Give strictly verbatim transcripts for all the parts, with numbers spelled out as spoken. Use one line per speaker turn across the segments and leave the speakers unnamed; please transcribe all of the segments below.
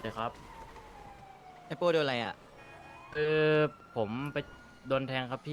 ครับ
ไอโป้โดนอะไรอ่ะ
คือผมไปโดนแทงครับพี่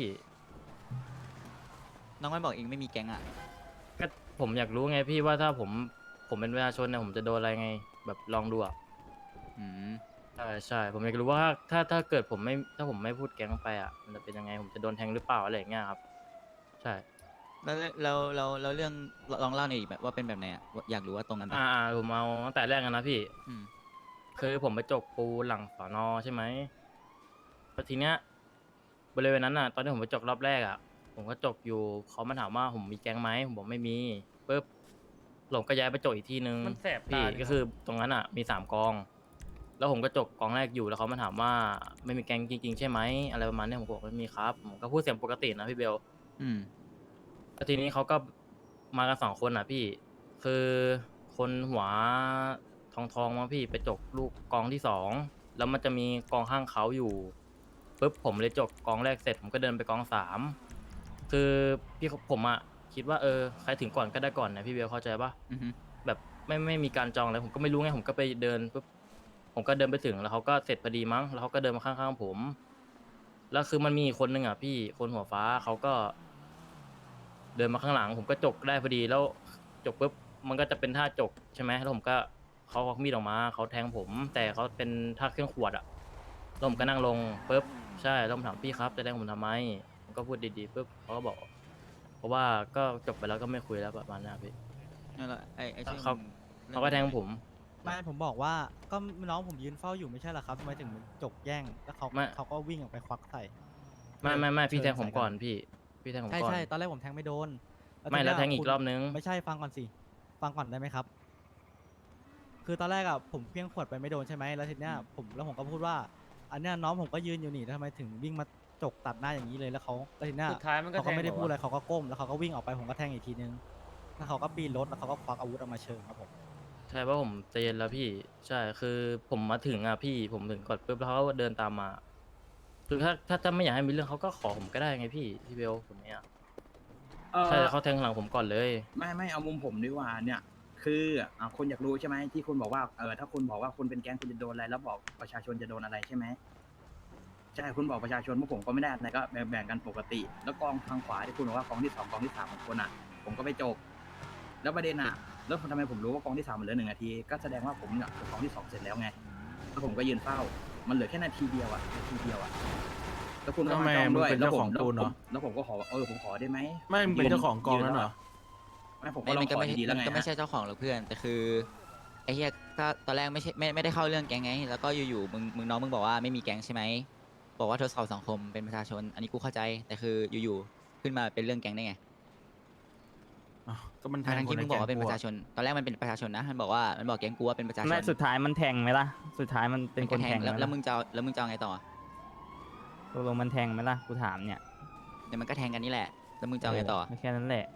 น้องไม่บอกเองไม่มีแก๊งอ่ะ
ก็ผมอยากรู้ไงพี่ว่าถ้าผมผมเป็นประชาชนเนี่ยผมจะโดนอะไรไงแบบลองดูอ่ะ
อืม
ใช่ใช่ผมอยากรู้ว่าถ้าถ้าเกิดผมไม่ถ้าผมไม่พูดแก๊งไปอ่ะมันจะเป็นยังไงผมจะโดนแทงหรือเปล่าอะไรอย่างเงี้ยครับใช่
แล้วเราเราเราเรื่องลองเล่าหน่อยดิแบบว่าเป็นแบบไหนอ่ะว่าอยากรู้ว่าตรงกัน
อ่า
ปะ
อ่าผมเอาตั้งแต่แรกกันนะพี่
อืม
คือผมไปจกปูหลังสอนอใช่ไหมแล้วทีเนี้ยบริเวณนั้นอ่ะตอนที่ผมไปจกรอบแรกอ่ะผมก็จกอยู่เขามาถามว่าผมมีแก๊งไหมผมบอกไม่มีปุ๊บผมก็ย้ายไปจกอีกที่นึง
มันแสบตา
พี่
เนี่ยครับ
ก็คือตรงนั้นอ่ะมีสามกอง แล้วผมก็จกกองแรกอยู่แล้วเขามาถามว่าไม่มีแก๊งจริงๆใช่ไหมอะไรประมาณนี้ผมก็บอกไม่มีครับผมก็พูดเสียงปกตินะพี่เบล
อืม
แล้วทีนี้เขาก็มากันสองคนอ่ะพี่คือคนหัวทองทองมาพี่ไปจกลูกกองที่สองแล้วมันจะมีกองข้างเขาอยู่ปุ๊บผมเลยจกกองแรกเสร็จผมก็เดินไปกองสามคือพี่ผมอ่ะคิดว่าเออใครถึงก่อนก็ได้ก่อนนะพี่เบลเข้าใจปะ
อืม
แบบไม่ไม่มีการจองอะไรผมก็ไม่รู้ไงผมก็ไปเดินปุ๊บผมก็เดินไปถึงแล้วเขาก็เสร็จพอดีมั้งแล้วเขาก็เดินมาข้างๆผมแล้วคือมันมีอีกคนนึงอ่ะพี่คนหัวฟ้าเขาก็เดินมาข้างหลังผมก็จกได้พอดีแล้วจกปุ๊บมันก็จะเป็นท่าจกใช่ไหมแล้วผมก็เขาควักมีดออกมาเขาแทงผมแต่เขาเป็นท่าเครื่องขวดอ่ะแล้วผมก็นั่งลงปุ๊บใช่แล้วผมถามพี่ครับจะแทงผมทำไมผมก็พูดดีๆปุ๊บเขาก็บอกเพราะว่าก็จบไปแล้วก็ไม่คุยแล้วประมาณนั้นอะพี่
นั่นแหละไอไอชื่อ
เขา
มึงเรื่อ
เขา
งเป็นยังไง
ก็แทงผม
ไม่ผมบอกว่าก็น้องผมยืนเฝ้าอยู่ไม่ใช่เหรอครับทำไมถึงจกแย่งแล้วเขา
ไม่
เขาก็วิ่งออกไปควักใส่
ไม่ไม่ไม่พี่
เชิ
แทงผม
ญใส่กัน
ก่อนพี่พี่แทงผม
ใช่
ก่อน
ใช่ตอนแรกผมแทงไม่โดนแล้ว
ไม่
ทีเนี้ย
แล้วแทงอี
คุณ
กรอบนึง
ไม่ใช่ฟังก่อนสิฟังก่อนได้ไหมครับคือตอนแรกอ่ะผมเพี้ยงขวดไปไม่โดนใช่ไหมแล้วทีเนี้ยผมแล้วผมก็พูดว่าอันเนี้ยน้องผมก็ยืนอยู่นี่แล้วทำไมถึงวิ่งมาจกตัดหน้าอย่างนี้เลยแล้วเขาแล้วทีเนี้ย
สุดท้ายมันก็
เขา
แท
ก็
ง
ไม่ได้
เหรอ
พูดอะไร
วะ
เขาก็ก้มแล้วเขาก็วิ่งออกไปผมก็แทงอีกทีนึงแล้วเขาก็ปีนรถแล้วเขาก็ควักอาวุธออกมาเชิงครับผม
ใช่เพราะผมใจเย็นแล้วพี่ใช่คือผมมาถึงอ่ะพี่ผมถึงก่อนปุ๊บแล้วเขาก็เดินตามมาคือถ้าถ้าถ้าไม่อยากให้มีเรื่องเขาก็ขอผมก็ได้ไงพี่พี่เบลผมเนี่ย
เอ
ใช่
อ
เขาแทงหลังผมก่อนเลย
ไม่ไม่เอามุมผมดีกว่าเนี่ย คืออ่าคนอยากรู้ใช่ไหมที่คุณบอกว่าเออถ้าคุณบอกว่าคุณเป็นแก๊งคุณจะโดนอะไรแล้วบอกประชาชนจะโดนอะไรใช่ไหมใช่คุณบอกประชาชนพวกผมก็ไม่ได้อะไรก็แบ่งแบ่งกันปกติ แล้วกองทางขวาที่คุณบอกว่ากองที่สองกองที่สามของคนอ่ะ ผมก็ไปจบแล้วประเด็นอ่ะแล้วทำไมผมรู้ว่ากองที่สามมันเหลือหนึ่งนาทีก็แสดงว่าผมเนี่ยกองที่สองเสร็จแล้วไงแล้วผมก็ยืนเฝ้า มันเหลือแค่นาทีเดียวอ่ะนาทีเดียวอ่ะแล้วคุณก็มาจ้องด้วยแล้วผมแล้วผมแล้วผมก็ขอว่าเออผมขอได้ไหม
ไม่มึงเป็นเจ้าของกองนั้นเหรอ
ไม่ผมก็
ไม่
ลอ
มั
ง
นก็
ขอ
ไม่ใช่
ดีๆแล้ว
มัน
ไง
ก็ไม่
ฮะ
ใช่เจ้าของหรอกเพื่อนแต่คือไอเฮียถ้าตอนแรกไม่ใช่ไม่ไม่ได้เข้าเรื่องแก๊งไงแล้วก็อยู่ๆมึงมึงน้องมึงบอกว่าไม่มีแก๊งใช่ไหมบอกว่าทดสอบสังคมเป็นประชาชนอันนี้กูเข้าใจแต่คืออยู่ๆขึ้นมาเป็นเรื่องแก๊งได้ไง
อ้าวก็มันแท
ทั้
ง
งๆ
คน
ที่
ใน
มึงบ
แก๊
อก
ง
ว่าเป็น
กู
ประ
อะ
ชาชน ตอนแรกมันเป็นประชาชนนะ มันบอกว่ามันบอกแก๊งกูว่าเป็นประชาชน
ไม่สุดท้ายมันแทงไหมล่ะ สุดท้ายมันเป็น
มั
ค
ก็
นแทงไหม
แล้วแล้ว
ล่ะ
มึงจะเอาแล้วมึงจะเอาไงต่อ
ตกลงมันแทงไหมล่ะกูถามเนี่ย
เดี๋ยวมันก็แทงกันนี่แหละแล้วมึงจะเอาไงต่อ
ไม่แค่นั้นแหละ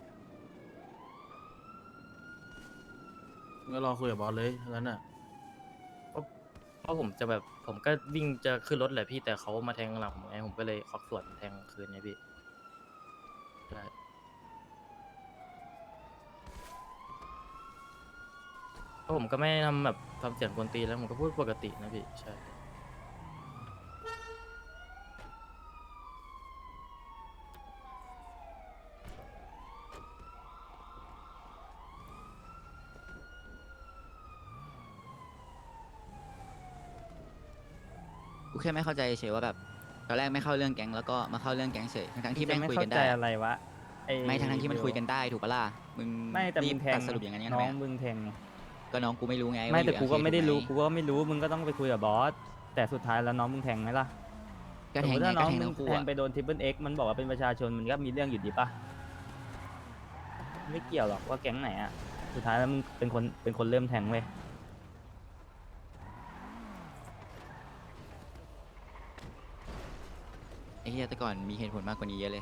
มึงก็รอคุยกับบอสเลยงั้นอ่ะ
เพราะผมจะแบบผมก็วิ่งจะขึ้นรถแหละพี่แต่เขามาแทงหลังผมไงผมก็เลยควักสวนแทงคืนไงพี่ใช่เพราะผมก็ไม่ได้ทำแบบทำเสียงกวนตีนแล้วผมก็พูดปกตินะพี่ใช่
กูแค่ไม่เข้าใจเฉยว่าแบบตอนแรกไม่เข้าเรื่องแก๊งแล้วก็มาเข้าเรื่องแก๊งเฉยทั้งๆที่
จะ
แม่ง
ไม่
คุย
เข้า
กัน
ใจ
ได้
อะไรวะอ้
ไม่ทั้งๆที่มันคุยกันได้ถูกปะล่ะมึง
ไม่แต่
รี
มึ
บ
งแท
ตั
ง
ดสรุปอย่างนั้นงั้น
น้
ทำ
อ
ไม
ง
อะ
มึงแทงไง
ก็น้องกูไม่รู้ไง
ไม่
ว่าอยู่
แต่กูก็
โอเค
ไม่ได้รู้
ถู
กู
กห
ก็ไม่รู้มึงก็ต้องไปคุยกับบอสแต่สุดท้ายแล้วน้องมึงแทงไหมล่ะ
ก็แทง
สมมุติ
ไง
ถ้าน้
ก็
อง
แทง
มึ
ทั้
ง
งคู่
แทง
อะ
ไปโดนทิปเปิลเอ็กมันบอกว่าเป็นประชาชนมันก็มีเรื่องอยู่ดีปะไม่เกี่ยวหรอกว่าแก๊งไหนอะสุดท้ายแล้วมึงเป็นคนเป็นคนเริ่มแทงเว้ย
ไอ้เหี้ยแต่ก่อนมีเหตุผลมากกว่านี้เยอะเลย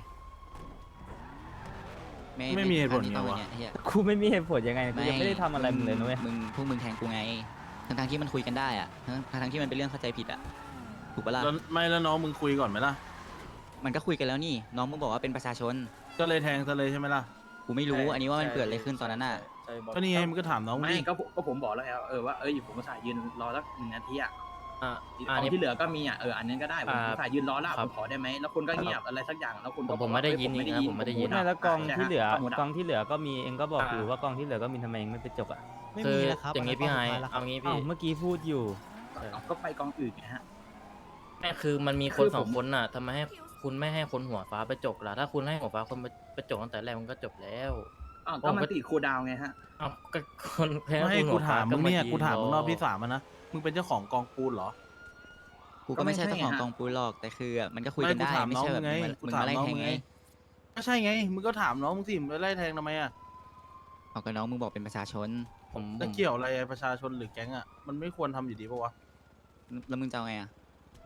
ไม่มีเหตุผล
อันนี้
ไง
ต้อง
วะ
เนี่ยไอ้เหี้ย
กูไม่มีเหตุผลยังไงกูยังไม่ได้ทำอะไรมึงเลยนะเว้ย
มึงพวกมึงแทงกูไง ทั้งทที่มันคุยกันได้อะทั้งทั้งๆที่มันเป็นเรื่องเข้าใจผิดอะถูกปะล่ะ
แล้วไม่แล้วน้องมึงคุยก่อนไหมล่ะ
มันก็คุยกันแล้วนี่ น้องมึงบอกว่าเป็นประชาชน
ก็เลยแทงซะเลยใช่ไหมล่ะ
กูไม่รู้ อันนี้ว่ามันเกิดอะไรขึ้นตอนนั้นน่ะ
ใจบอล
ก็นี่ไงมึงก็ถามน้องมึง
ไม่
ดิ
ก็ผมก็ผมบอกแล้วเออว่าเออผมก็สายยืนรอสักหนึ่งนาทีอ่ะ
อ่า
ข
อ่า
อง
นี่
ที่เหลือก็มีอ่ะเอออันนั้นก็ได้ผม
อ่า
สายยืนรอแล้ว
ครั
ผ
บ
มขอได้ไหมแล้วคุณก็เงียบอะไรสักอย่างแล้วคุณ
ผม
ก็
ผมไม่ได้ยินนี่นะผมไม่ได้ยิน
ไม่แล้วกองที่เหลือ
หมด
กองที่เหลือก็มีเองก็บอกอยู่
อ่า
ว่ากองที่เหลือก็มีทำไมเองไม่ไปจกอ่ะ
ไม่
คื
มี
อ
นะครับ
อย่างนี้
นี้
พี่ไฮ
แล้วครั
เอา
บ
งี้
อ้า
พี่
วเมื่อกี้พูดอยู่
ก็ก็ไปกองอื่นไงฮะ
แม่คือมันมี
คื
คน
อผม
สองคนน่ะทำไมให้คุณไม่ให้คนหัวฟ้าไปจกล่ะถ้าคุณให้หัวฟ้าคนไปไปจกตั้งแต่แรกมันก็จบแล้ว
อ้าวก็มันติดคูลดาวน์ไงฮะ
เอ้าก็คนแพ้
ไม่ให้
คุณ
กู
หัวฟ้
ถามมึงเนี่ย
ยื
กูถามมึงรอบที่
อ
สามอะนะมึงเป็นเจ้าของกองปูนเหรอ
กูก็ไม่ใช่
ก็ไม่ใช่
เจ้าของ
ฮะ
กองปูนหรอกแต่คืออะมันก็คุย
ไม่
กัน
กู
ได้
ถาม
ไม่
น้อง
ใช่แบบ
มึงไง
มึง
กู
มึง
ถาม
มาไล่
น้อง
แทง
มึง
ไง
ไง ก็ใช่ไงมึงก็ถามน้องมึงสิมึงไปไล่แทงทำไมอะ
เอากับน้องมึงบอกเป็นประชาชน
ผมผ
แล้ว
ม
เกี่ยวอะไรประชาชนหรือแก๊งอะมันไม่ควรทำอยู่ดีปะวะ
แล้วมึงจะเอาไงอ่ะ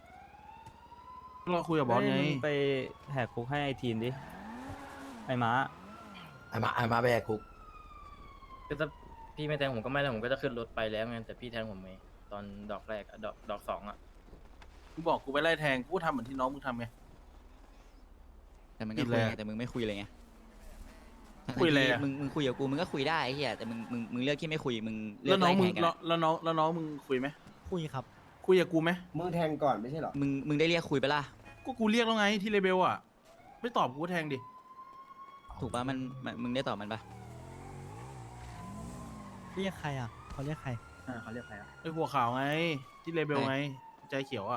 เราคุยกับบอสไง
เฮ้ยมึงไปแหกคุกให้ไอทีนดิ ไอม้า
ไอ้มาไอ้มาไปแหกคุก
คือถ้าพี่ไม่แทงผมก็ไม่แล้วผมก็จะขึ้นรถไปแล้วไงแต่พี่แทงผมไงตอนดอกแรกอะดอกดอกสองอะ
กูบอกกูไปไล่แทงกูก็ทำเหมือนที่น้องมึงทำไง
แต่มึงก็
ผิด
คุย
เลย
ไง
อะ
แต่มึงไม่คุยเลยไง
คุยเลย
ทั้
อะ
งๆที่มึงมึงคุยกับกูมึงก็คุยได้ไอ้เหี้ยแต่มึงมึงมึงเลือกที่ไม่คุยมึงเลื
แล้
อ
ว
ก
น้อ
ไล่
งมึ
แท
ง
งกัน
แล้ว
อะ
แล้วน้องแล้วน้องมึงคุยไหม
คุยครับ
คุยกับกูไหม
มึงแทงก่อนไม่ใช่เหรอ
มึงมึงได้เรียกคุยไปะล่ะ
ก็กูเรียกแล้วไงที่เลเบลอะไม่ตอบกูก็แทงดิ
ถูกปะมันมันมึงได้ตอบมันปะ
เรียกใครอ่ะเขาเรียกใคร
อ่าเขาเรียกใครอ่ะ
ไอ้หัวขาวไงที่เลเบลไงใจเขียวอะ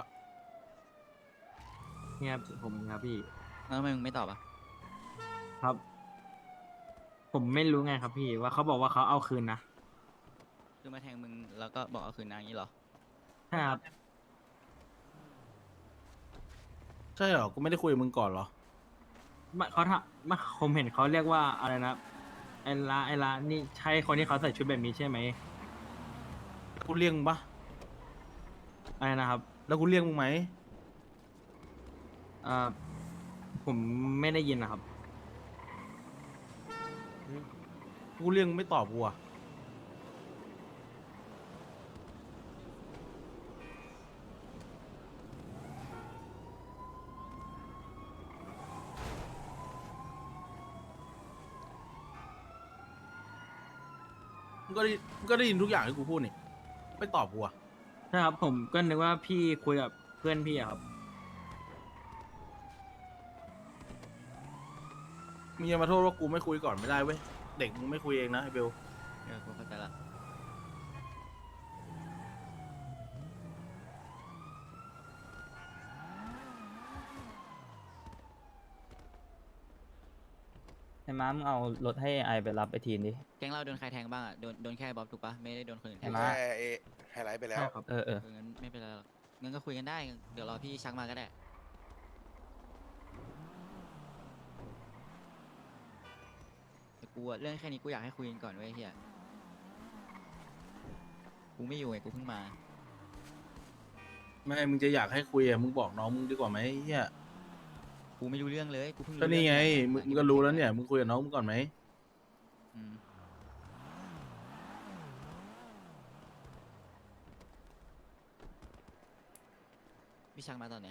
เนี่ยผมครับพี่
แล้วทำไมมึงไม่ตอบอ่ะ
ครับ ผมไม่รู้ไงครับพี่ว่าเขาบอกว่าเขาเอาคืนนะ
คือมาแทงมึงแล้วก็บอกเอาคืนนางอย่างนี้เหรอ
ใช่ครับ
ใช่เหรอกูไม่ได้คุยกับมึงก่อนเหรอ
ไม่เขาทำไม่ผมเห็นเขาเรียกว่าอะไรนะไอ้ละไอ้ละนี่ใช่คนที่เขาใส่ชุดแบบนี้ใช่ไหม
กูเรียกมึงปะ
อะไรนะครับ
แล้วกูเรียกมึงไหม
เอ่อผมไม่ได้ยินนะครับ
กูเรียกมึงไม่ตอบกูอะมึงก็ได้มึงก็ได้ยินทุกอย่างที่กูพูดนี่ไม่ตอบกูอะ
ใช่ครับ ผมก็นึกว่าพี่คุยกับเพื่อนพี่อะครับ
มึงอย่ามาโทษว่ากูไม่คุยก่อนไม่ได้เว้ยเด็กมึงไม่คุยเองนะไอ้เบล
เออกูเข้าใจละ
ไอม้ามึงเอารถให้ไอไปรับไอทีนดิ
แก๊งเราโดนใครแทงบ้างอ่ะ โดนโดนแค่บ๊อบถูกปะไม่ได้โดนคนอื่นแทง
ไอ้ม้า
แค่เอไฮไลท์ไปแล้ว
ใช่ครับ
เออเออ
เอองั้นไม่เป็นไรหรอกงั้นก็คุยกันได้ เดี๋ยวรอพี่ชักมาก็ได้ แต่กูอะเรื่องแค่นี้กูอยากให้คุยกันก่อนเว้ยเฮียกูไม่อยู่ไงกูเพิ่งมา
ไม่มึงจะอยากให้คุยอะมึงบอกน้องมึงดีกว่าไหมไอ้เฮีย
กูไม่รู้เรื่องเลย กูเพิ่งรู้
ก็นี่ไง
เรื่อง
มึงมึงก็รู้แล้วเนี่ยมึงคุยกับน้องมึงก่อนไหม
อืมพี่ชักมาตอนไหน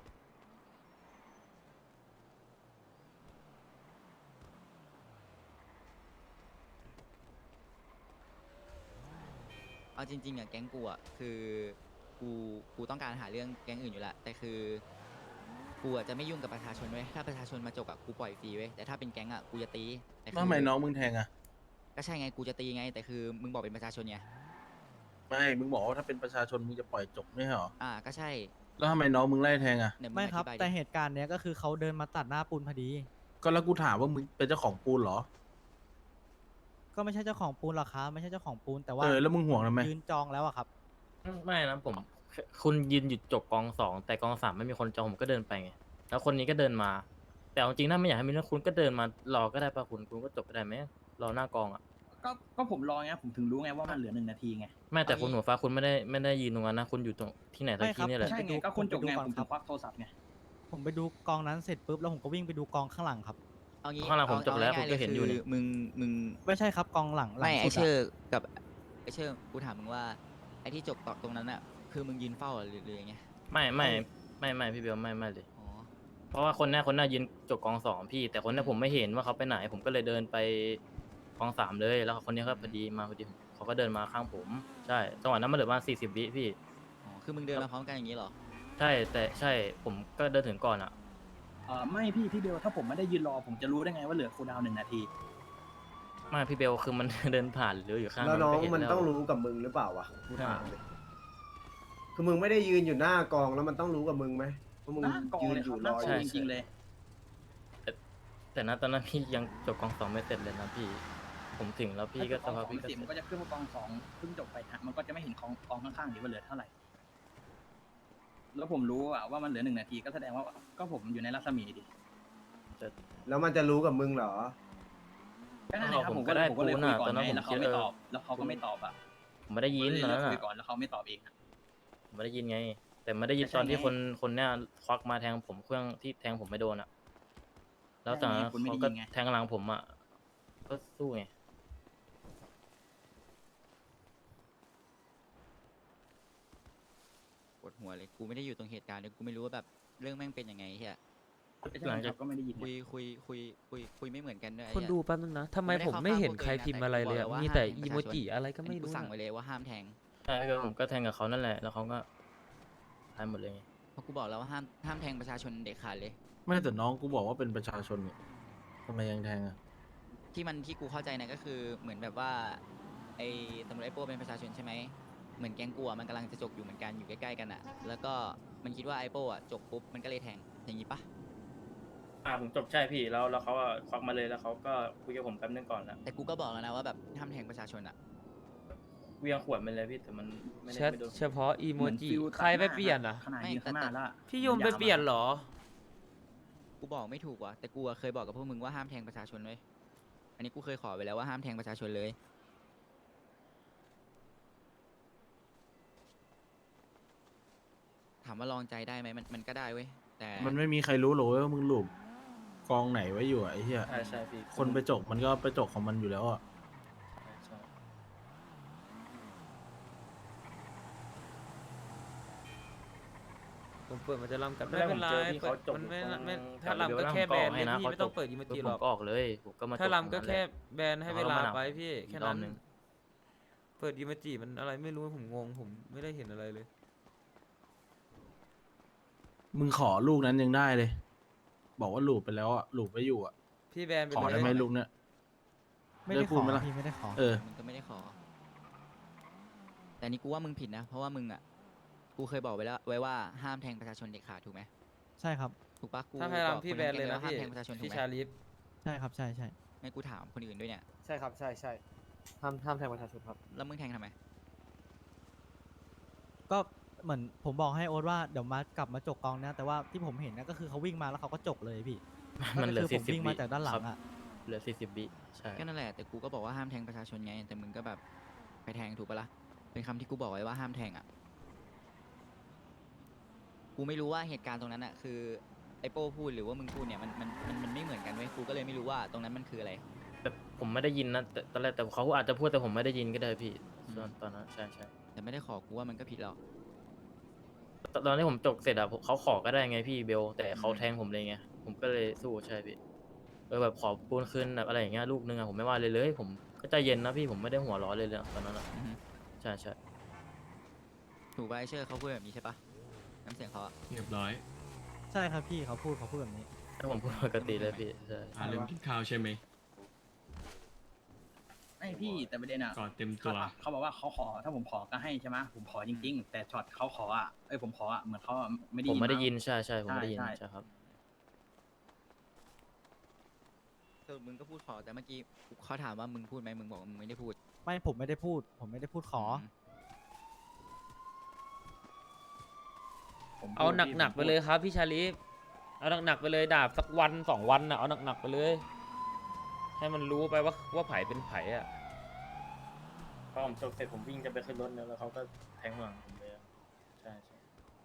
เอาจริงๆอ่ะแก๊งกูอ่ะคือกูกูต้องการหาเรื่องแก๊งอื่นอยู่แล้วแต่คือกูอ่ะจะไม่ยุ่งกับประชาชนเว้ยถ้าประชาชนมาจกอ่ะกูปล่อยฟรีเว้ยแต่ถ้าเป็นแก๊งอ่ะกูจะตีแต่คือ
ทำไมน้องมึงแทงอะ
ก็ใช่ไงกูจะตีไง แต่คือมึงบอกเป็นประชาชนไง
ไม่มึงบอกว่าถ้าเป็นประชาชนมึงจะปล่อยจบไม่ใช่เหรอ
อ่าก็ใช่
แล้วทำไมน้องมึงไล่แทงอะ
เนี่ยง
ไม่ครับ
อธิายดิ
แต่เหตุการณ์เนี้ยก็คือเขาเดินมาตัดหน้าปูนพอดี
ก็แล้วกูถามว่ามึงเป็นเจ้าของปูนเหรอ
ก็ไม่ใช่เจ้าของปูนหรอกครับไม่ใช่เจ้าของปูนแต่ว่า
เออแล้วมึงห่วงทำไม
ยืนจองแล้วอะครับ
ไม่นะผมคุณยืนหยุดจกกองสองแต่กองสามไม่มีคนจองผมก็เดินไปไงแล้วคนนี้ก็เดินมา แต่เอาจริงถ้าไม่อยากให้มีเรื่องคุณก็เดินมารอก็ได้ป่ะคุณคุณก็จบก็ได้ไหมรอหน้ากองอ่ะ
ก็ก็ผมรอไงผมถึงรู้ไงว่ามันเหลือหนึ่งนาทีไง
ไม่แต่คุณหัวฟ้าคุณไม่ได้ไม่ได้ยืนตรงนั้นนะคุณอยู่ตรงที่ไหนสัก
ไม่ครั
ที่
บ
นี่แหละ
ใช่ไง
ผมไปดู
ก็คุณจบไง
ผมไปดูก่อน
ผม
ครั
ถึ
บ
งควักโทรศัพท์ไง
ผมไปดูกองนั้นเสร็จปุ๊บแล้วผมก็วิ่งไปดูกองข้างหลังครับ
เอางี้
ข้างหลังผม
เอ
จบแล้ว
าง่ายๆ
ผมก็เห็นอยู่นี่
คืมึงมึง
ไม่ใช่ครับกองหลังหลัง
ไม่ไอ
สุดะ
เชอร์กับไอเชอร์กูถามมึงว่าไอที่จบตรงนั้นอ่ะคือมึงยืนเฝ้าหรือหรือยังไง
ไม่ไม่ไม่ไม่พี่เบลไม่ไม่เลย
อ๋อ
เพราะว่าคนหน้าคนหน้ายืนจกกองสองพี่ แต่คนหน้าผมไม่เห็นว่าเขาไปไหน ผมก็เลยเดินไปกองสามเลยแล้วคนนี้ก็พอดีมาพอดีเขาก็เดินมาข้างผมใช่จังหวะนั้นมันเหลือประมาณสี่สิบวิพี่
อ๋อคือมึงเดินมาพร้อมกันอย่างนี้เหรอ
ใช่แต่ใช่ผมก็เดินถึงก่อนอ่ะ
เออไม่พี่พี่เบลถ้าผมไม่ได้ยืนรอผมจะรู้ได้ไงว่าเหลือคูลดาวน์หนึ่งนาที
ไม่พี่เบลคือมัน เดินผ่านหรืออยู่ข้าง
แล้วน้อง
ก็เห็
มัน
แล้ว
ต้องรู้กับมึงหรือเปล่าวะกูถามเลยคือมึงไม่ได้ยืนอยู่หน้ากองแล้วมันต้องรู้กับมึงไหมเพราะมึง
หน้ากอง
ยืน
เลย
อ
ครั
ยู่
บห
ร
น้า
อก อ
อยู่ งจริงๆเลย
แต่ณตอนนั้นพี่ยังจบกองสองไม่เสร็จเลยนะพี่ ผมถึงแล้วพี่ก็ส
ถ้า
ภาพ
กอง
พี่
สอง
ก็
สิบมันก็จะขึ้นว่ากองสองเพิ่งจบไปฮะมันก็จะไม่เห็นกองกองข้างๆดีว่าเหลือเท่าไหร่ แล้วผมรู้อะว่ามันเหลือหนึ่งนาทีก็แสดงว่าก็ผมอยู่ในรัศมีดิ
แล้วมันจะรู้กับมึงเหรอ
ก็นั่นแหละครับผมก็เลยผมก็เลยคุยก่อนไงแล้วเขาไม่ตอบ แล้วเขาก็ไม่ตอบอ่ะ
ผมไม่ได้ยิน
ผม
ตอน
เลย
นั้น
คุย
อะ
ก่อนแล้วเขาไม่ตอบเองอะ
ผมไม่ได้ยินไง แต่ไม่ได้ยิน
ไม่ใช่
ตอนที่
ไง
คนคนเนี้ยควักมาแทงผมเครื่องที่แทงผมไม่โดนอ่ะ แล้วแต่
ใช่ไงคุณไม่
เขา
ได้
ก็
ยินไง
แทงหลังผมอ่ะก็สู้ไง
ปวดหัวเลย กูไม่ได้อยู่ตรงเหตุการณ์เลยกูไม่รู้ว่าแบบเรื่องแม่งเป็นยังไงเฮีย
หลังจาก
ก็ไม่ได้ยิน
คุยคุยคุยคุยคุยไม่เหมือนกันด้วยไอ้
คน
เหี้ย
ดูแป๊บนึงนะทำไม
ไม่ได้
ผม
เข้า
ไม่
ข้าง
เห็น
พวก
ใคร
ตัวเองนะ
พิมพ์อะไรเลยอะ
แต่กูบอก
มี
ว่า
แต่
ห้ามแทง
อีโม
ประชาชน
จิอะไรก็
อัน
ไม่
นี้กู
รู้
สั่ง
นะ
ไว้เลยว่าห้ามแทง
ใช่ก็ผมก็แทงกับเขานั่นแหละ แล้วเขาก็ตายหมดเลยไง
เพราะกูบอกแล้วว่าห้ามห้ามแทงประชาชนเด็กขาดเลย
ไม่แต่น้องกูบอกว่าเป็นประชาชนเนี่ยทำไมยังแทงอ่ะ
ที่มันที่กูเข้าใจนะก็คือเหมือนแบบว่าไอ้ตำรวจไอ้โป้เป็นประชาชนใช่ไหมเหมือนแก๊งกูอะมันกำลังจะจกอยู่เหมือนกันอยู่ใกล้ๆกันอ่ะ แล้วก็มันคิดว่าไอ้โป้อะจกปุ๊บมันก็เลยแทงอย่างนี้ปะ
อ่าผมจบใช่พี่แล้วแล้วเขาก็ควักมาเลยแล้วเขาก็คุยกับผมแป๊บนึงก่อนแล้ว
แต่กูก็บอกแล้วนะว่าแบบห้ามแทงประชาชนอ่ะ
เวียงขวดมันเลยพี่แต่มันไม่ได้
แชท
ไม่โดน
เฉพาะอีโม
เหมือน
จิ
ฟิล
ใครไปเปลี่ยนอ่ะ
ขนาด
ไม่
ยืนข้างหน้า
แต่
แล้วอะ
พี่ยมไปเปลี่ยนเหรอ
กูบอกไม่ถูกว่ะแต่กูอะเคยบอกกับพวกมึงว่าห้ามแทงประชาชนเลยอันนี้กูเคยขอไปแล้วว่าห้ามแทงประชาชนเลย ถามว่าลองใจได้ไหมมันมันก็ได้เว้ยแต่
มันไม่มีใครรู้หรอกเว้ยว่ามึงหลุมกองไหนไว้อยู่อะไอ้เหี้ย
ใช่ใช่พี่
คนไปจกมันก็ไปจกของมันอยู่แล้วอ่ะ
ใช่ใช่
ผมเปิดมันจะล่ำกัน
ไม่
ไม่
เป็
เป็น น
ไร
ไร
พี่
เปิ
เขา
ด
จบ
มันไม่
ตรง
ไม่
แถ
ถ้าว
เดียว
ลำก็
แล้ว
แค่
ผม
แบ
อน อก
เล
ให้
ย
นะ
พี่
เขา
ไม่ต้องเปิดอีโมจิ
ผ
หร
ม
อก
ก็ออกเลยผมก็มา
ถ้า
จบ
ลำก็
ตรงนั้น
แค่
หละ
แบนให้
เอา
เว
แล้ว
ลา
มันเอา
ไปพี่แค่
อีกรอ
นั้
บ
น
หนึ่ง
เปิดอีโมจิมันอะไรไม่รู้ผมงงผมไม่ได้เห็นอะไรเลย
มึงขอลูกนั้นยังได้เลย บอกว่าหลูบไปแล้วอ่ะหลูบไปอยู่อ่ะ
พี่แบนไป
ขอ
เล
ได้
ย
ไหมลูกเนี่ย
ไม่ได้
ได้
ข
พู
อ
ดไหมล่ะ
พี่ไม่ได้ขอ
เออ
มึงก็ไม่ได้ขอ แต่นี่กูว่ามึงผิดนะ เพราะว่ามึงอ่ะ กูเคยบอกไว้แล้วไว้ว่าห้ามแทงประชาชนเด็ดขาดถูกไหม
ใช่ครับ
ถูกปะกู
ถ้าใคร
บอก
ลำพี่
ค
แบน
ทั้ง
เลย
ก๊ง
นะ
ว่าห้าม
พี่
แทงประชาชนถู
พี่
กไหม
ชาลิฟ
ใช่ครับใช่ใช่
ไม่กูถามคนอื่นด้วยเนี่ย
ใช่ครับใช่ใช่ห้ามห้ามแทงประชาชนครับ
แล้วมึงแทงทำไม
ก็เหมือนผมบอกให้โอ๊ตว่าเดี๋ยวมากลับมาจกกองนะแต่ว่าที่ผมเห็นนะก็คือเขาวิ่งมาแล้วเขาก็จกเลยพี่
มันเหลือ
ก็คื
สี่
ผม
สิบ
วิ่ง
วิ
มาจากด้านหลั
ครั
ง
บ
อ่ะ
เหลือสี่สิบวิใช่
ก็นั่นแหละ แต่กูก็บอกว่าห้ามแทงประชาชนไง แต่มึงก็แบบไปแทงถูกปะล่ะ เป็นคำที่กูบอกไว้ว่าห้ามแทงอ่ะ กูไม่รู้ว่าเหตุการณ์ตรงนั้นอ่ะคือไอโป้พูดหรือว่ามึงพูดเนี่ยมันมันมันมันไม่เหมือนกันเว้ย กูก็เลยไม่รู้ว่าตรงนั้นมันคืออะไร
แต่ผมไม่ได้ยินนะแต่ตอนแรกแต่เขาอาจจะพูดแต่ผมไม่ได้ยินก็ได้พี่ตอนตอนนั้นใช่ใช่
แต่ไม่ได้ขอ กูว่ามันก็ผิดหรอก
ตอนตอนที่ผมจบเสร็จอะผมเขาขอก็ได้ไงพี่เบลแต่เขา
อืม
แทงผมเลยไงผมก็เลยสู้ใช่พี่เออแบบขอปูนคืนแบบอะไรอย่างเงี้ยลูกนึงอะผมไม่ว่าเลยเลย ผมก็ใจเย็นนะพี่ผมไม่ได้หัวร้อนเลยเลยตอนนั้นอะ
อือฮึ
ใช่ใช่
ถูกปะไอเชอร์เขาพูดแบบนี้ใช่ปะน้ำเสียงเขาอะ
เรียบร้อย
ใช่ครับพี่เขาพูดเขาพูดแบบนี้
ถ้าผมพูดปกติเลยพี่ใช่
อ่าลืมกินข้าวใช่ไหม
ไม่พี่แต่ประเด็นอะ
ก่อนเต็มตั
เขา
ว
เขาบอกว่าเขาขอถ้าผมขอก็ให้ใช่ไหมผมขอจริง ๆ แต่ช็อตเขาขออะเอ้ยผมขออะเหมือนเขาอะไม่ได้
ผม
ยิน
ไม่ได้
มั้ง
ยินใช่ใช่ผมไม่ได้ยิน
ใช่ใช่
ใช่ครับ
สรุปมึงก็พูดขอ แต่เมื่อกี้เขาถามว่ามึงพูดไหมมึงบอกว่ามึงไม่ได้พูด
ไม่ผมไม่ได้พูด ผมไม่ได้พูดขอ
ม
ผมพูด
เอา
พี่
หนักๆ
ผม
ไป
พูด
เลยครับพี่ชาลิฟเอาหนักๆไปเลยดาบสักวันสองวันน่ะเอาหนักๆไปเลย ให้มันรู้ไปว่าว่าไผ่เป็นไผ่อะ
พอผมจบเสร็จผมวิ่งจะไปขึ้นรถแล้วเขาก็แทงหลังผมเลยใช่ใช่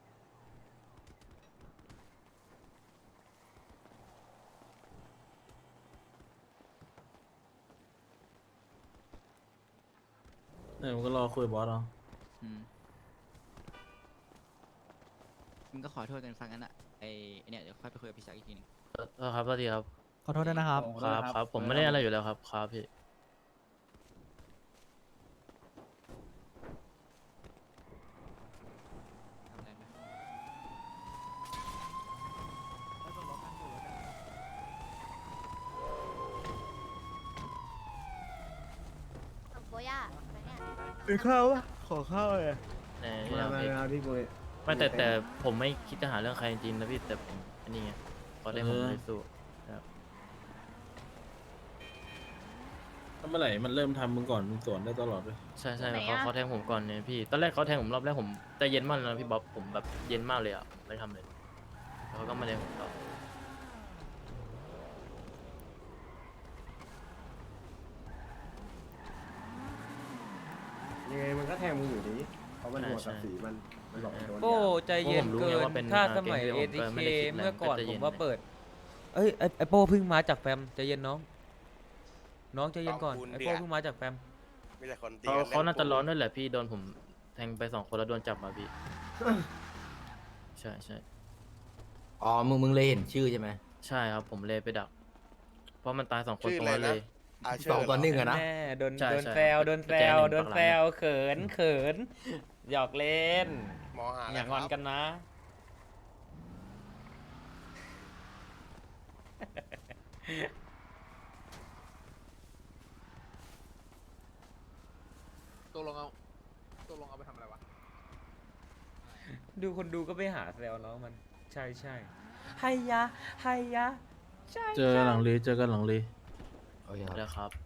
เนี่ยมึงก็รอคุยกับบอสเอา
อืมมึงก็ขอโทษกันฟังกันอะไอไอ้เนี่ยเดี๋ยวค่อยไปคุยกับพี่ชักอีกทีหนึง
เออครับสวัสดีครับ
ขอโทษด้วยนะครับ
ขอโท
ค
ษ
รับ
นะครับ
ครับผมไม่ได้อะไรอยู่แล้วครับครับพี่
เป็นข้าวปะขอข้าวเลย
แน่
มา
ไม่
มา
เอาพี่
มาพี่กู
ไม่แต่แต่ผมไม่คิดจะหาเรื่องใครจริงๆนะพี่แต่ผมอันนี้ไงเขาได้ผมเลยสู้นะครับ
ถ้าเมื่อไหร่มันเริ่มทำมึงก่อนมึงสวนได้ตลอดเลย
ใช่ใช่เขาเขาแทงผมก่อนเนี่ยพี่ตอนแรกเขาแทงผมรอบแรกผมใจเย็นมากเลยนะพี่บ๊อบผมแบบเย็นมากเลยอ่ะผมไม่ทำเลยแล้วเขาก็มาแทงผมต่อ
ยังไงมันก็แทงมึงอยู่ดีเพราะมันหัวกับสีมันมันบอกมันโดน
โอ้
ยา
ใจเย็นเกินถ้าสมัยเอทีเคเมื่อก่อนผมว่าเปิด เอ้ยไอ้ไอโป้เพิ่งมาจากแฟมใจเย็นน้อง น้องใจเย็นก่อนไอโป้เพิ่งมาจากแฟม
มีแต่คนตี
เขา
กัน
เขาน่าจะร้อนด้วยแหละพี่โดนผมแทงไปสองคนแล้วโดนจับมาพี่ใช่ใช่
อ๋อ มึงมึงเลยเห็นชื่อใช่ไหม
ใช่ครับผมเลยไปดัก เพราะมันตายสองคน
ชื่อ
ตร
อะ
ง
ไร
นั้น
นะ
เลย
อาเช
สอง
ร์
ต่อหนึ่งอะนะ
แม่โดน
ใช่
โดน
ใช่
แซวโดนแซ
แก
ว
หนึ่ง
โดน
ปากหลัง
แซวเขินเขินหยอกเล่น
มอหา
อย่างอนกันนะ
ตกลงเอาตกลงเอาไปทำอะไรวะ
ดูคนดูก็ไปหาแซวน้องมัน ใช่ใช่ไฮยะไฮยะใช่
เจอกันหลังเลเจอกันหลังเล
โอเคครับ
แล้วครับ